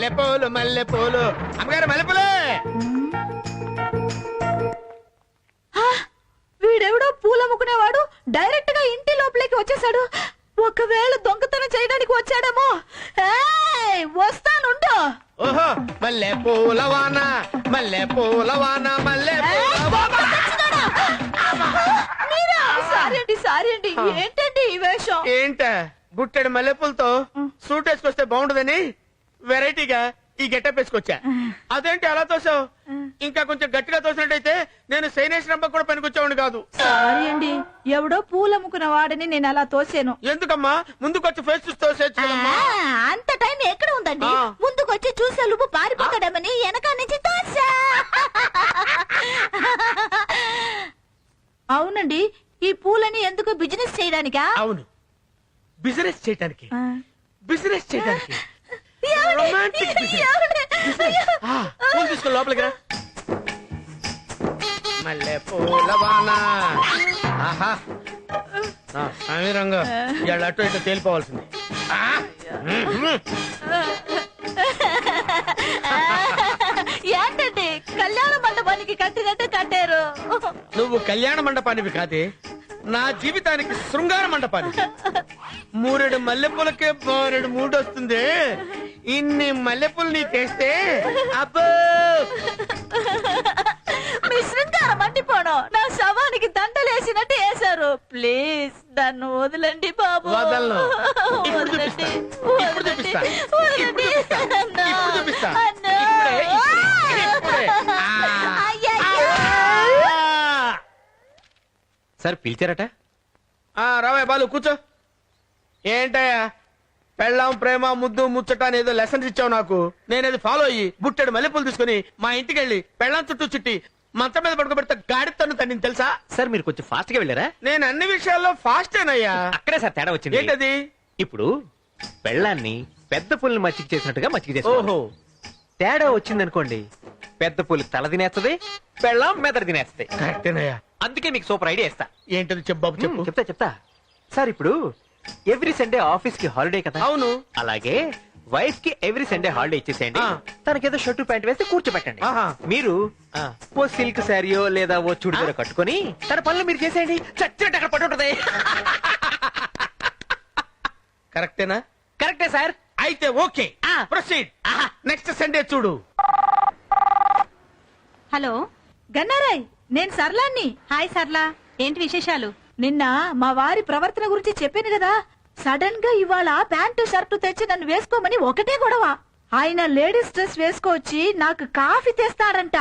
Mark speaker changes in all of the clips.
Speaker 1: మల్లెపూలు మల్లెపూలు అమ్మగారు మల్లెపూలే.
Speaker 2: వీడెవడో పూలమ్ముకునేవాడు డైరెక్ట్ గా ఇంటి లోపలికి వచ్చేసాడు. ఒకవేళ దొంగతనం చేయడానికి వచ్చాడేమో. వస్తానుండు.
Speaker 1: ఓహో మల్లెపూల వాన మల్లెపూల వాన
Speaker 2: సారీ అండి ఏంటండి ఈ వేషం?
Speaker 1: ఏంట గుట్టెడు మల్లెపూలతో సూట్ వేసుకొస్తే బాగుండదని వెరైటీగా ఈ గెటప్ వేసుకొచ్చా. అదేంటి అలా తోసావు? ఇంకా కొంచెం గట్టిగా తోసినట్టయితే నేను సైనేష్ రంప కూడా పనికొచ్చేవాడిని కాదు.
Speaker 2: సారీ అండి, ఎవడో పూలమ్ముకున్న వాడిని నేను అలా తోసాను.
Speaker 1: ఎందుకమ్మా ముందుకొచ్చి ఫేస్ చూసి తోసేచ్చు.
Speaker 2: అంత టైం ఎక్కడ ఉందండి? ముందుకొచ్చి చూసే లోపు పారిపోతాడమని వెనక నుంచి తోసా. అవునండి, ఈ పూలని ఎందుకు బిజినెస్ చేయడానికా?
Speaker 1: అవును, బిజినెస్ చేయడానికి. బిజినెస్ చేయడానికి రొమాంటిక్ పూలు తీసుకో లోపలికి రా. మల్లె పూల వాన ఆహా సమీరంగా ఇవాళ అటు ఇటు తేలిపోవాల్సింది.
Speaker 2: ఏంటండి కళ్యాణ మండపానికి కట్టినట్టు కట్టారు?
Speaker 1: నువ్వు కళ్యాణ మండపానివి కాదే, నా జీవితానికి శృంగార మండపానికి. మూరెడు మల్లెపూలకే బోరెడు మూడు వస్తుంది. ఇన్ని మల్లెపూలు నీ తెస్తే అబ్బో
Speaker 2: మీ శృంగారం మండిపోవడం నా శవానికి దండలేసినట్టు వేశారు. ప్లీజ్ నన్ను వదలండి బాబు.
Speaker 1: వదలను. ఇప్పుడు చూపిస్తా. ఇప్పుడు చూపిస్తా. ఇప్పుడు చూపిస్తా. ఇప్పుడు చూపిస్తా. ఇప్పుడే.
Speaker 3: సార్ పిలిచారట?
Speaker 1: రావయ్య బాలు కూర్చో. ఏంటయ్యా పెళ్ళాం ప్రేమ ముద్దు ముచ్చట అని ఏదో లెసన్స్ ఇచ్చావు నాకు. నేనేది ఫాలో అయ్యి బుట్టెడు మల్లెపూలు తీసుకుని మా ఇంటికి వెళ్ళి పెళ్ళాం చుట్టూ చుట్టి మంచం మీద పడుకోబెడితే గాడి తన్ను తన్ని తెలుసా?
Speaker 3: సార్ మీరు కొంచెం ఫాస్ట్ గా వెళ్ళారా?
Speaker 1: నేను అన్ని విషయాల్లో ఫాస్టేనయ్యా.
Speaker 3: అక్కడే సార్ తేడా వచ్చింది.
Speaker 1: ఏంటది?
Speaker 3: ఇప్పుడు పెళ్ళాన్ని పెద్ద పుల్ని మచ్చిక చేసినట్టుగా మచ్చిక చేసి.
Speaker 1: ఓహో,
Speaker 3: తేడా వచ్చిందనుకోండి, పెద్ద పులి తల తినేస్తుంది, పెళ్ళాం మెదడు తినేస్తుంది.
Speaker 1: కరెక్టేనయ్యా.
Speaker 3: అందుకే మీకు సూపర్ ఐడియా ఇస్తా.
Speaker 1: ఏంటది చెప్పు బాబు చెప్పు.
Speaker 3: చెప్తా సార్. ఇప్పుడు ఎవ్రీ సండే ఆఫీస్ కి హాలిడే కదా?
Speaker 1: అవును.
Speaker 3: అలాగే వైఫ్ కి ఎవ్రీ సండే హాలిడే ఇచ్చేసేయండి. తనకేదో షర్టు ప్యాంట్ వేస్తే కూర్చోబెట్టండి. మీరు ఓ సిల్క్ శారీయో లేదా ఓ చుడిదారో కట్టుకొని తన పనులు మీరు చేసేయండి. చచ్చినట్టు అక్కడ పట్టుంటది.
Speaker 1: కరెక్టేనా?
Speaker 3: కరెక్టే సార్.
Speaker 1: అయితే ఓకే, ప్రొసీడ్. నెక్స్ట్ సండే చూడు.
Speaker 2: హలో గన్నారాయ్, నేను సర్లాన్ని. హాయ్ సర్లా, ఏంటి విశేషాలు? నిన్న మా వారి ప్రవర్తన గురించి చెప్పాను కదా. సడన్ గా ఇవాళ ప్యాంటు షర్టు తెచ్చి నన్ను వేసుకోమని ఒకటే గొడవ. ఆయన లేడీస్ డ్రెస్ వేసుకొచ్చి నాకు కాఫీ తెస్తాడంట.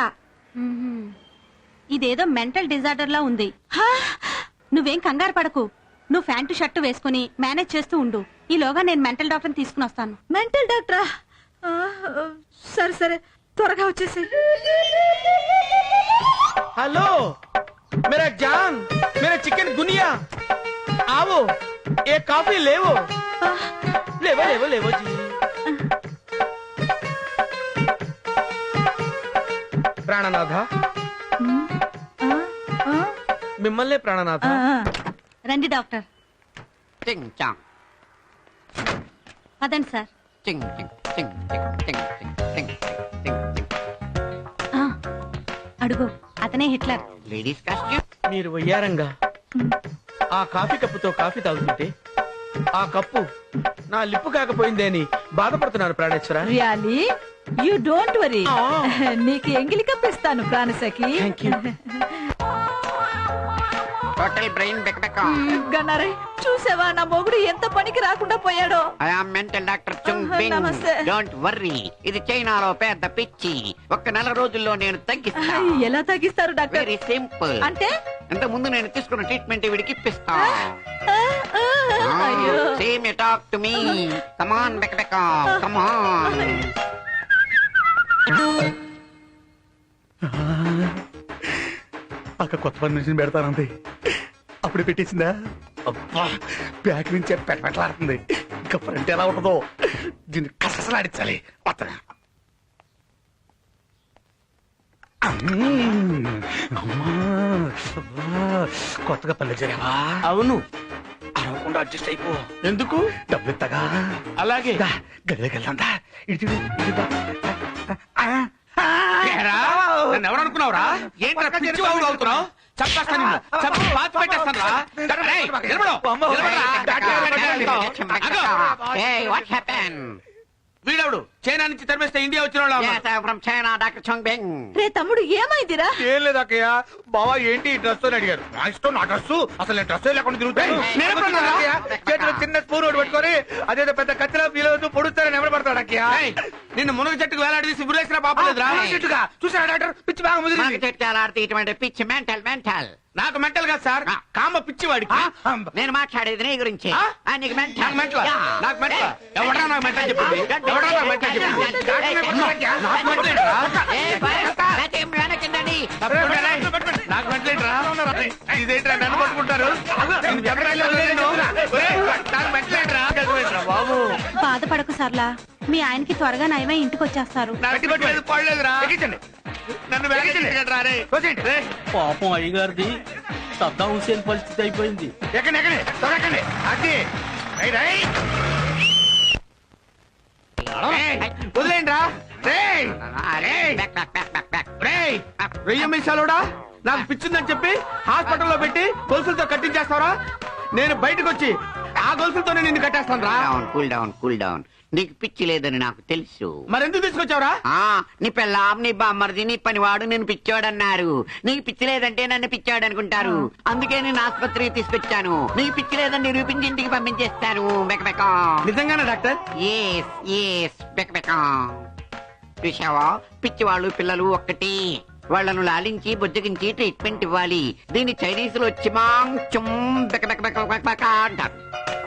Speaker 4: ఇదేదో మెంటల్ డిజార్డర్ లా ఉంది. నువ్వేం కంగారు పడకు. నువ్వు ప్యాంటు షర్టు వేసుకుని మేనేజ్ చేస్తూ ఉండు. ఈలోగా నేను మెంటల్ డాక్టర్ తీసుకుని వస్తాను.
Speaker 2: మెంటల్ డాక్టరా? సరే సరే, త్వరగా వచ్చేసి.
Speaker 1: हेलो मेरा जान, मेरा चिकन गुनिया, आओ एक कॉफी लेवो. लेवो लेवो लेवो जी. ప్రాణనాథ, మిమ్మల్ని ప్రాణనాథ.
Speaker 4: రండి డాక్టర్. పదండి సార్. అడుగు, అతనే హిట్లర్.
Speaker 5: Ladies costume.
Speaker 1: మీరు వయ్యారంగా ఆ కాఫీ కప్పుతో కాఫీ తాగుతుంటే ఆ కప్పు నా లిప్పు కాకపోయిందే అని బాధపడుతున్నారు ప్రాణేశ్వర.
Speaker 2: Really you don't worry. నీకు ఎంగిలి కప్పిస్తాను ప్రాణసఖి.
Speaker 5: Total brain బెక్బెక్.
Speaker 2: గన్నారై, చూసావా నా మొగుడు ఎంత పనికి రాకుండా పోయాడో?
Speaker 5: I am mental doctor Chung Bing.
Speaker 2: నమస్తే.
Speaker 5: డోంట్ వర్రీ, ఇది చైనాలో పెద్ద పిచ్చి. ఒక్క నెల రోజుల్లో నేను తగ్గిస్తా.
Speaker 2: ఎలా తగ్గిస్తారు డాక్టర్?
Speaker 5: Very simple.
Speaker 2: అంటే
Speaker 5: ఇంత ముందు నేను తీసుకున్న ట్రీట్మెంట్ వీడికి ఇప్పిస్తా.
Speaker 2: అయ్యో.
Speaker 5: Same you talk to me. Come on బెక్బెక్, కమ్ ఆన్.
Speaker 6: అక్క కొత్త పని నుంచి పెడతానంది. అప్పుడు పెట్టేసిందా? అబ్బా, బ్యాక్ నుంచి పెట్టలాడుతుంది. ఇంకా ఫ్రంట్ ఎలా ఉంటుందో దీన్ని కసలాడించాలి. కొత్తగా పల్లె చేరావా?
Speaker 1: అవును.
Speaker 6: అరవకుండా అడ్జస్ట్ అయిపో.
Speaker 1: ఎందుకు?
Speaker 6: డబ్బులు ఇస్తాగా.
Speaker 1: అలాగే
Speaker 6: గదిలోకి వెళ్దా. ఇటు చూడు, ఇటు దా.
Speaker 1: ఏరా, నన్ను ఎవరు అనుకున్నావురా? ఏంట్రా పిచ్చి వాగుడు అవుతున్నావు? చంపేస్తాను నిన్ను. చంపి పాతి పెట్టేస్తాను రా. రేయ్, నిలబడు. నిలబడరా.
Speaker 5: Hey, what happened?
Speaker 1: వీడెవడు? చైనా నుంచి తరిమేస్తే ఇండియా వచ్చిన వాళ్ళ
Speaker 5: Yes, I'm from China, Dr. Chong Beng.
Speaker 2: రే తమ్ముడు ఏమైందిరా?
Speaker 6: ఏం లేదు అక్కయ్య. బావా ఏంటి ఈ డ్రెస్ అని అడిగారు. నా ఇష్టం, నా డ్రెస్. అసలు నేను డ్రెస్ లేకుండా తిరుగుతాను.
Speaker 5: నేను ఎప్పుడు
Speaker 6: అన్నాను అక్కయ్య. చేతిలో చిన్న స్పూన్ ఒకటి పట్టుకొని అదేదో పెద్ద కత్తిలో ఫీల్ అవుతూ పొడుస్తారని ఎవరు పడతాడు అక్కయ్య.
Speaker 1: నిన్ను మునగ చెట్టుకు వేలాడదీసి గురేసిన పాపలేదురా?
Speaker 6: చెట్టుగా చూసారా డాక్టర్? పిచ్చి బాగా
Speaker 5: మనకు
Speaker 6: ముదిరింది.
Speaker 5: చెట్టాలాడితే ఇటువంటి పిచ్చి మెంటల్.
Speaker 1: నాకు మెంటల్ కాదు సార్, కామ పిచ్చి వాడికి.
Speaker 5: నేను మాట్లాడేది నీ గురించి.
Speaker 1: ఆ?
Speaker 5: నీకు
Speaker 1: నాకు మెంటల్,
Speaker 5: మెంటల్.
Speaker 1: నాకు మెంటల్. ఎవడరా నాకు మెంటల్ చెప్పింది? ఎవడరా నాకు మెంటల్ చెప్పింది? నాకు మెంటల్ ఏంట్రా?
Speaker 5: వెనకండి.
Speaker 1: నాకు మెంటల్ ఏంట్రా? ఇదేంట్రా నన్ను పట్టుకుంటారు? నేను చెప్పడానికి వదిలేను. ఒరేయ్, నాకు మెంటల్ ఏంట్రా? బాబు
Speaker 4: బాధపడకు సర్లా, మీ ఆయనకి త్వరగా నయమై ఇంటికి వచ్చేస్తారు.
Speaker 1: నాకు కొట్టలేదు, పడలేదురా.
Speaker 6: ఎక్కించండి.
Speaker 1: నన్ను వెనకెట్టుకుంటారా రే? రే,
Speaker 7: పాపం అయ్యగారిది సద్దాం హుసేన్ పరిస్థితి అయిపోయింది.
Speaker 6: ఎక్కండి ఎక్కండి త్వరగా ఎక్కండి. అది రైట్ రైట్.
Speaker 1: వదిలేండ్రా. రేయ్, రేయ్, వెయ్యి మీసాలోడా నాకు పిచ్చిందని చెప్పి హాస్పిటల్లో పెట్టి గొలుసులతో కట్టించేస్తావరా? నేను బయటకు వచ్చి ఆ గొలుసులతోనే నిన్ను కట్టేస్తాను రా.
Speaker 5: Cool down. నీకు పిచ్చి లేదని నాకు తెలుసు.
Speaker 1: మరెందుకు తీసుకొచ్చావురా?
Speaker 5: నీ పెళ్ళాం, నీ బామ్మర్ది, నీ పనివాడు నేను పిచ్చోడన్నారు. నీకు పిచ్చి లేదంటే నన్ను పిచ్చాడు అనుకుంటారు. అందుకే నేను ఆసుపత్రికి తీసుకొచ్చాను. నీకు పిచ్చి లేదని నిరూపించి ఇంటికి పంపించేస్తాను. బెకబెకా.
Speaker 1: నిజంగానే డాక్టర్?
Speaker 5: ఎస్ బెకబెకా. చూసావా, పిచ్చివాళ్ళు పిల్లలు ఒక్కటి. వాళ్లను లాలించి బుజ్జగించి ట్రీట్మెంట్ ఇవ్వాలి. దీన్ని చైనీస్ లో చిమాంగ్ చుమ్ బెకబెక అంటారు.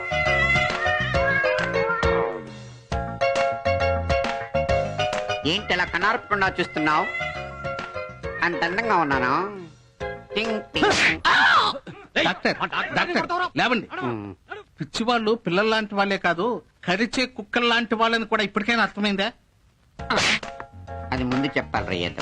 Speaker 5: ఏంటి అలా కనార్పకుండా చూస్తున్నావు? అంత అందంగా ఉన్నాను. టింగ్ టింగ్.
Speaker 7: డాక్టర్ లేవండి. పిచ్చి వాళ్ళు పిల్లల లాంటి వాళ్ళే కాదు, కరిచే కుక్కల లాంటి వాళ్ళని కూడా ఇప్పటికైనా అర్థమైందా?
Speaker 5: అది ముందు చెప్పాలి రేయదు.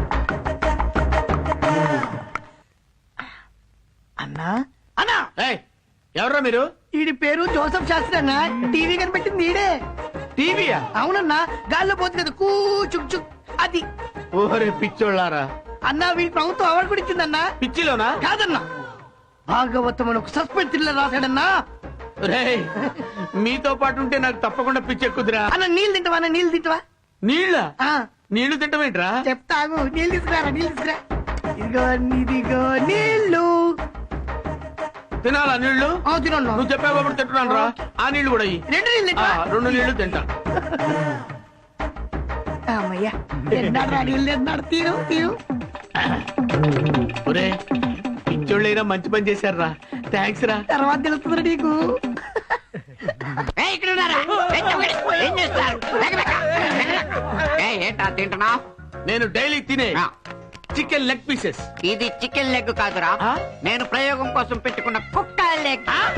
Speaker 8: అన్నా అన్నా,
Speaker 1: ఏయ్, ఎవర్రా మీరు?
Speaker 8: ఈడి పేరు జోసఫ్ శాస్త్రి అన్న. టీవీ కనిపెట్టింది ఈడే.
Speaker 1: టీవీయా?
Speaker 8: అవునన్నా, గాల్లో పోతుంది కదా కూ చుక్ చుక్, అది.
Speaker 1: ఓరే పిచ్చోళ్ళారా,
Speaker 8: అన్నా వీడి ప్రభుత్వం అవార్డు కూడా ఇచ్చిందన్నా.
Speaker 1: పిచ్చిలోనా?
Speaker 8: కాదన్నా, భాగవతం అని ఒక సస్పెన్స్ థ్రిల్లర్ రాశాడన్నా.
Speaker 1: రేయ్, మీతో పాటు ఉంటే నాకు తప్పకుండా పిచ్చెక్కుదిరా.
Speaker 8: అన్న నీళ్ళు తింటావా? అన్న నీళ్ళు తింటావా?
Speaker 1: నీళ్ళ?
Speaker 8: ఆ,
Speaker 1: నీళ్లు తింటమేంట్రా?
Speaker 8: చెప్తాగు. నీళ్ళు తీసుకురా, నీళ్ళు తీసుకురా. ఇదిగో నీళ్ళు.
Speaker 1: తినాలా నీళ్లు?
Speaker 8: తినండి.
Speaker 1: నువ్వు చెప్పావు కాబట్టి తింటున్నాను రా. ఆ నీళ్లు కూడా ఇయ్యి.
Speaker 8: 2 నీళ్ళు తింటావా?
Speaker 1: 2 నీళ్లు తింటా.
Speaker 8: అమ్మయ్యా, తిన్నాడు నీళ్ళు తిన్నాడు. తీరు తీరు.
Speaker 1: ఒరే, పిచ్చోళ్ళైనా మంచి పని చేశారా. థ్యాంక్స్ రా.
Speaker 8: తర్వాత తెలుస్తుంది నీకు.
Speaker 5: ఇక్కడ ఉన్నారా? ఏం చేస్తారు? ఏంటా తింటున్నావు?
Speaker 1: నేను డైలీ తినే చికెన్ లెగ్ పీసెస్.
Speaker 5: ఇది చికెన్ లెగ్ కాదురా,
Speaker 1: ఆ?
Speaker 5: నేను ప్రయోగం కోసం పెట్టుకున్న కుక్క లెగ్.